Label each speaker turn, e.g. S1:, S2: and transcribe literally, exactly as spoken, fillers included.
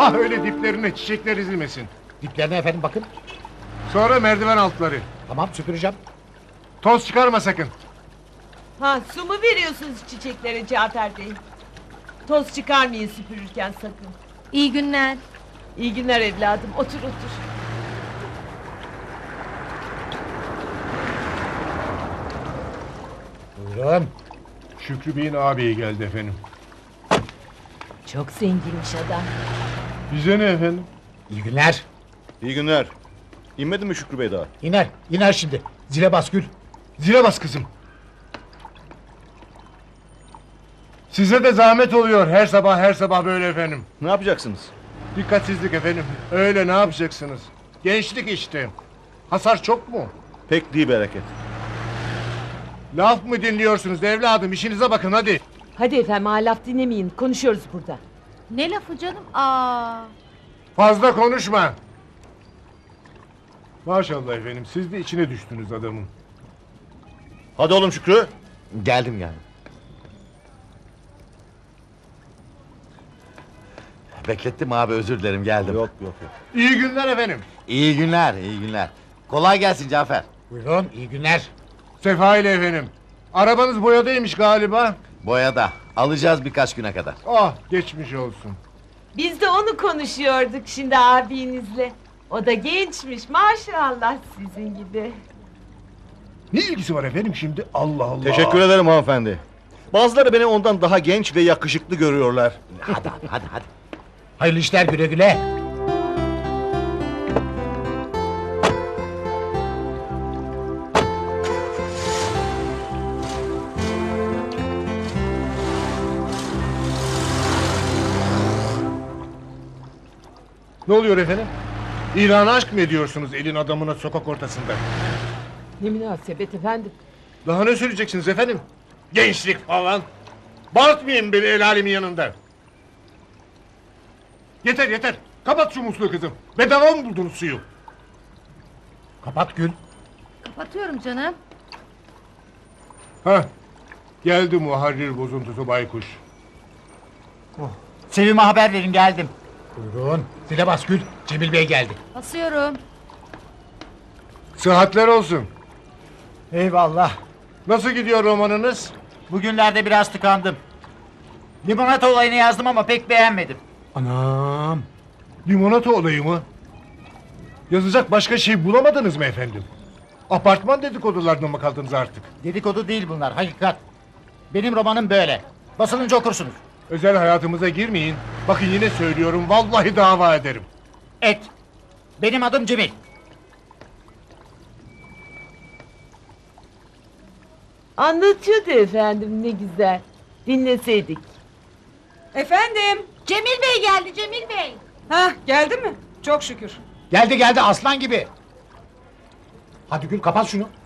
S1: Ha öyle diplerine çiçekler ezilmesin.
S2: Diplerine efendim bakın.
S1: Sonra merdiven altları.
S2: Tamam süpüreceğim.
S1: Toz çıkarma sakın.
S3: Ha, su mu veriyorsunuz çiçeklere Cafer Bey? Toz çıkarmayın süpürürken sakın.
S4: İyi günler.
S3: İyi günler evladım, otur otur.
S2: Buyurun.
S1: Şükrü Bey'in ağabeyi geldi efendim.
S3: Çok zenginmiş adam.
S1: Bize ne efendim?
S2: İyi günler.
S5: İyi günler. İnmedi mi Şükrü Bey daha?
S2: İner. İner şimdi. Zile bas Gül.
S1: Zile bas kızım. Size de zahmet oluyor her sabah her sabah böyle efendim.
S5: Ne yapacaksınız?
S1: Dikkatsizlik efendim. Öyle ne yapacaksınız? Gençlik işte. Hasar çok mu?
S5: Pek değil bereket.
S1: Laf mı dinliyorsunuz evladım? İşinize bakın hadi.
S3: Hadi efendim, ha, laf dinlemeyin, konuşuyoruz burada.
S4: Ne lafı canım? Aa.
S1: Fazla konuşma. Maşallah efendim, siz de içine düştünüz adamın.
S5: Hadi oğlum Şükrü.
S6: Geldim geldim. Beklettim abi, özür dilerim, geldim.
S5: Yok yok yok.
S1: İyi günler efendim.
S6: İyi günler, iyi günler. Kolay gelsin Cafer.
S2: Buyurun. İyi günler.
S1: Sefa ile efendim. Arabanız boyadaymış galiba.
S6: Boyada. Alacağız birkaç güne kadar.
S1: Ah geçmiş olsun.
S3: Biz de onu konuşuyorduk şimdi abinizle. O da gençmiş maşallah sizin gibi.
S1: Ne ilgisi var efendim şimdi? Allah Allah.
S5: Teşekkür ederim hanımefendi. Bazıları beni ondan daha genç ve yakışıklı görüyorlar.
S6: Hadi abi, hadi hadi.
S2: Hayırlı işler, güle güle.
S1: Ne oluyor efendim? İlanı aşk mı ediyorsunuz elin adamına sokak ortasında?
S3: Ne münasebet efendim.
S1: Daha ne söyleyeceksiniz efendim? Gençlik falan. Bağırtmayın beni el alemin yanında. Yeter yeter. Kapat şu musluğu kızım. Bedava mı buldunuz suyu?
S2: Kapat Gül.
S4: Kapatıyorum canım.
S1: Hah. Geldi muharrir bozuntusu baykuş.
S7: Sevim'e haber verin, geldim.
S2: Buyurun. Zile bas Gül. Cemil Bey geldi.
S4: Basıyorum.
S1: Sıhhatler olsun.
S7: Eyvallah.
S1: Nasıl gidiyor romanınız?
S7: Bugünlerde biraz tıkandım. Limonata olayını yazdım ama pek beğenmedim.
S2: Anam.
S1: Limonata olayı mı? Yazacak başka şey bulamadınız mı efendim? Apartman dedikodularına mı kaldınız artık?
S7: Dedikodu değil bunlar, hakikat. Benim romanım böyle. Basılınca okursunuz.
S1: Özel hayatımıza girmeyin. Bakın yine söylüyorum, vallahi dava ederim.
S7: Et. Benim adım Cemil.
S3: Anlatıyordu efendim, ne güzel. Dinleseydik.
S8: Efendim?
S4: Cemil Bey geldi, Cemil Bey.
S8: Hah, geldi mi? Çok şükür.
S2: Geldi geldi aslan gibi. Hadi Gül, kapat şunu.